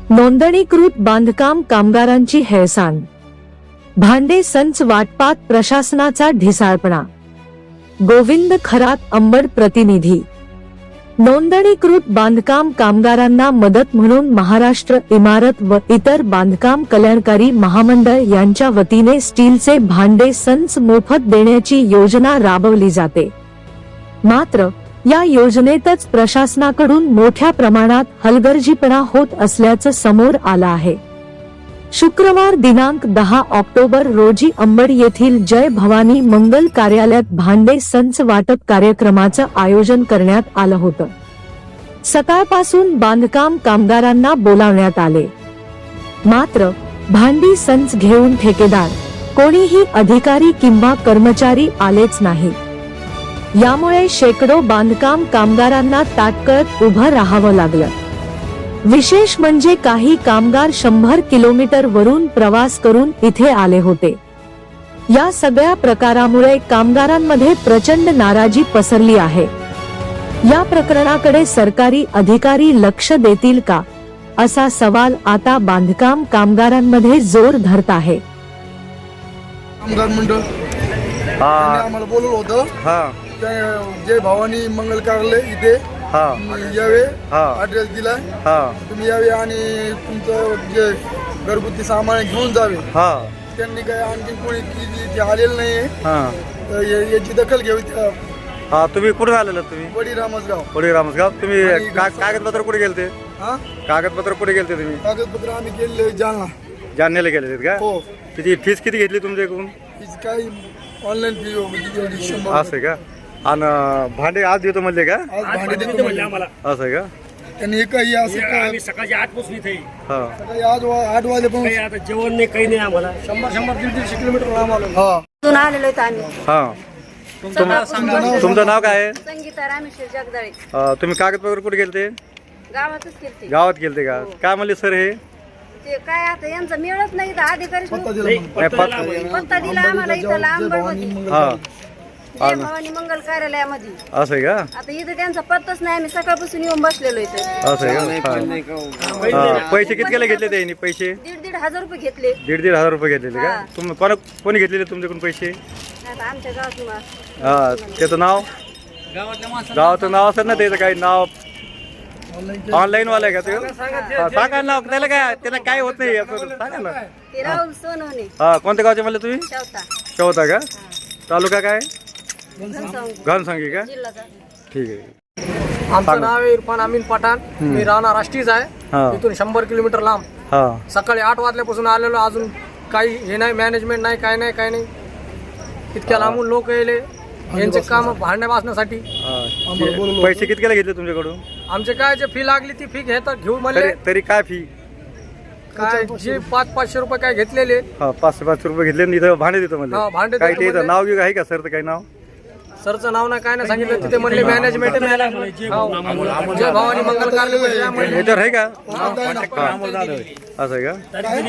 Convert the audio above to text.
नोंदणीकृत बांधकाम कामगारांची हेळसांड, भांडे संच वाटपात प्रशासनाचा ढिसाळपणा। गोविंद खरात, अंबड प्रतिनिधी। नोंदणीकृत बांधकाम कामगारांना मदत म्हणून महाराष्ट्र इमारत व इतर बांधकाम कल्याणकारी महामंडळ यांच्या वतीने स्टीलचे भांडे संच मोफत देण्याची योजना राबवली जाते। मात्र या योजनेतच प्रशासनाकडून मोठ्या प्रमाणात हलगर्जीपणा होत असल्याचं समोर आलं आहे। शुक्रवार दिनांक 10 ऑक्टोबर रोजी अंबड येथील जय भवानी मंगल कार्यालयात भांडे संच वाटप कार्यक्रमाचं आयोजन करण्यात आलं होतं। सकाळपासून बांधकाम कामगारांना बोलावण्यात आले, मात्र भांडी संच घेऊन ठेकेदार, कोणीही अधिकारी किंवा कर्मचारी आलेच नाही। यामुळे शेकडो बांधकाम कामगारांना ताटकळत उभं राहावं लागलं। विशेष म्हणजे काही कामगार 100 किलोमीटर वरून प्रवास करून इथे आले होते। या सगळ्या प्रकारामुळे कामगारांमध्ये प्रचंड नाराजी पसरली आहे। या प्रकरणाकडे सरकारी अधिकारी लक्ष देतील का, असा सवाल आता बांधकाम कामगारांमध्ये जोर धरत आहे। कामगार मंडळ आम्हाला बोलवलं होतं, जय भवानी मंगल कार्यालय इथे यावे, ऍड्रेस दिलाय, तुम्ही यावे आणि तुमचं जे घरगुती सामान घेऊन जावे। त्यांनी काय आणखी कोणी आलेलं नाहीये, याची दखल घ्यावी। तुम्ही कुठे आलेला? तुम्ही वडी रामसगाव। वडी रामसगाव। तुम्ही कागदपत्र कुठे गेलते? कागदपत्र कुठे गेलते तुम्ही? कागदपत्र आम्ही गेले जालना, जालन्याला गेले का? हो। किती फीस किती घेतली तुमच्याकडून? काही ऑनलाईन फी होती 100। असं का? आणि भांडे आज देतो म्हणले का? आज भांडे देतो म्हणले आम्हाला। असं का? त्यांनी काही असं आम्ही सकाळी 8 पासून इथे सकाळी आज 8 वाजेपासून आता जेवण नाही, काही नाही आम्हाला। 100-150 किलोमीटर लांब आलो। आलेलो आहेत आम्ही। तुमचं नाव काय आहे? संगीता रामेश्वर जगदाळे। तुम्ही कागदपत्र कुठे गेलते? गावातच केलते। गावात गेलते का? काय म्हणले सर हे? ते काय आता यांचं मिळत नाही तर अधिकारी पत्ता दिला पत्ता दिला आम्हाला इथं लांबडमध्ये जय भवानी मंगल कार्यालयामध्ये। असं आहे का? आता इथं त्यांचा पत्ताच नाही, आम्ही सकाळपासून येऊन बसलेलो इथे। असं आहे का? पैसे कितकेला घेतले त्यांनी? पैसे 1,500 रुपये घेतले। 1,500 रुपये घेतलेले का? तुम्ही कोणी घेतलेले तुमच्याकडून पैसे? आता आमच्या गावात त्याचं नाव, गावाचं नाव असेल ना, त्याचं काही नाव ऑनलाईन वाला आहे का? ते सांगा नाव, त्याला काय होत नाही सांगा ना। ते राहुल सोनवणे। कोणत्या गावचे म्हणले तुम्ही? शेवता शेवता का? तालुका काय? घनसावंगी घनसावंगी का? जिल्हा। ठीक आहे। आमचं नाव आहे इरफान अमीन पठाण, मी राहणार राष्ट्रीयच आहे, इथून 100 किलोमीटर लांब। सकाळी 8 वाजल्यापासून आलेलो, अजून काही हे नाही, मॅनेजमेंट नाही, काय नाही। इतक्या लांबून लोक येले यांचे काम भांडण्या वाचण्यासाठी। पैसे कितकेला घेतले तुमच्याकडून? आमचे काय जे फी लागली ती फी घेतात, घेऊ म्हणले। तरी काय फी? काय जे 500-500 रुपये काय घेतलेले। 500 रुपये घेतले, इथं भांडे देतो म्हणजे? भांडे काय त्याचं नाव घेऊ आहे का सरचं? काही नाव? सरचं नाव नाही, काय नाही सांगितलं तिथे म्हणले मॅनेजमेंट जय भवानी मंगल कार्यालय याच्यावर आहे का? असं आहे का?